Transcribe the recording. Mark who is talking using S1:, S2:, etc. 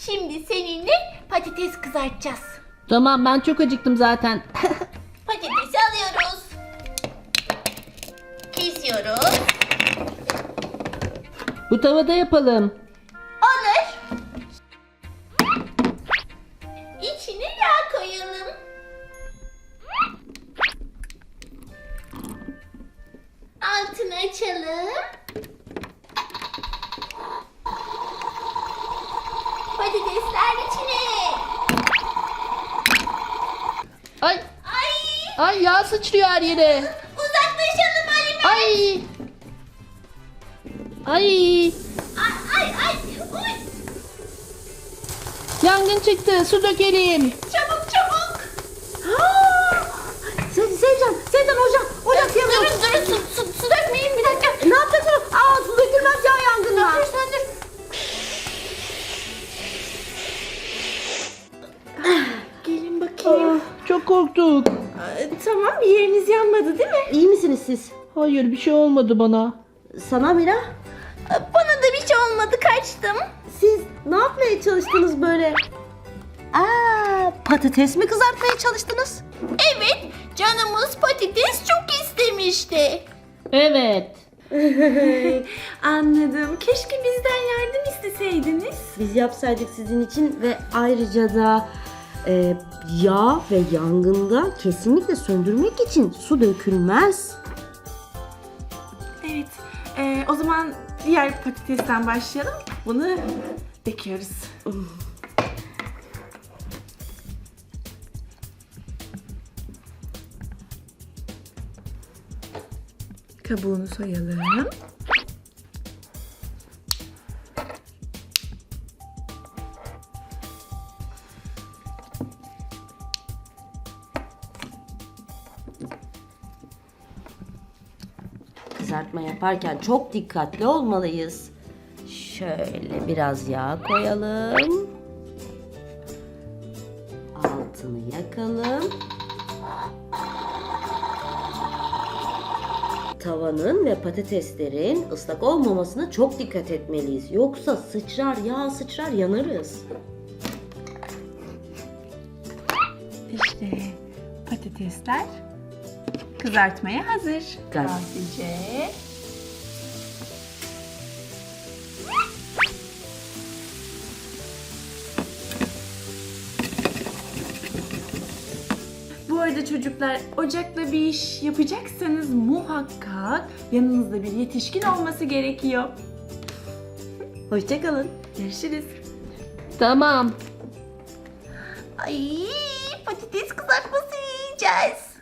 S1: Şimdi seninle patates kızartacağız.
S2: Tamam, ben çok acıktım zaten.
S1: Patatesi alıyoruz. Kesiyoruz.
S2: Bu tavada yapalım.
S1: Olur. İçine yağ koyalım. Altını açalım. Patatesler içine.
S2: Ay,
S1: Ay,
S2: ay yağ sıçrıyor her yere.
S1: uzaklaşalım Ali Bey.
S2: Ay. Ay.
S1: Ay. Uy.
S2: Yangın çıktı. Su dökelim.
S1: Çabuk.
S3: Sevcan ocak yanıyor.
S1: Durun su dökmeyin bir dakika.
S3: Ne yapacaksın? Su dökülmez ya yangınla.
S1: Dur sen dur. Gelin bakayım.
S2: Çok korktuk.
S1: Tamam, bir yeriniz yanmadı değil mi?
S3: İyi misiniz siz?
S2: Hayır, bir şey olmadı bana.
S3: Sana Mira,
S1: Bana da bir şey olmadı, kaçtım.
S3: siz ne yapmaya çalıştınız böyle? Patates mi kızartmaya çalıştınız?
S1: Evet, canımız patates çok istemişti.
S2: Evet.
S1: Anladım. Keşke bizden yardım isteseydiniz.
S3: Biz yapsaydık sizin için ve ayrıca da yağ ve yangında kesinlikle söndürmek için su dökülmez.
S4: Evet. O zaman diğer patatesten başlayalım. Bunu döküyoruz. Kabuğunu soyalım.
S3: Kızartma yaparken çok dikkatli olmalıyız. Şöyle biraz yağ koyalım. Altını yakalım. Tavanın ve patateslerin ıslak olmamasına çok dikkat etmeliyiz. Yoksa sıçrar, yağ sıçrar, yanarız.
S4: İşte patatesler kızartmaya hazır.
S3: Gel.
S4: Sadece bu arada çocuklar, ocakla bir iş yapacaksanız muhakkak yanınızda bir yetişkin olması gerekiyor.
S3: Hoşça kalın.
S4: Görüşürüz.
S2: Tamam.
S1: Ay, patates kızartması yiyeceğiz.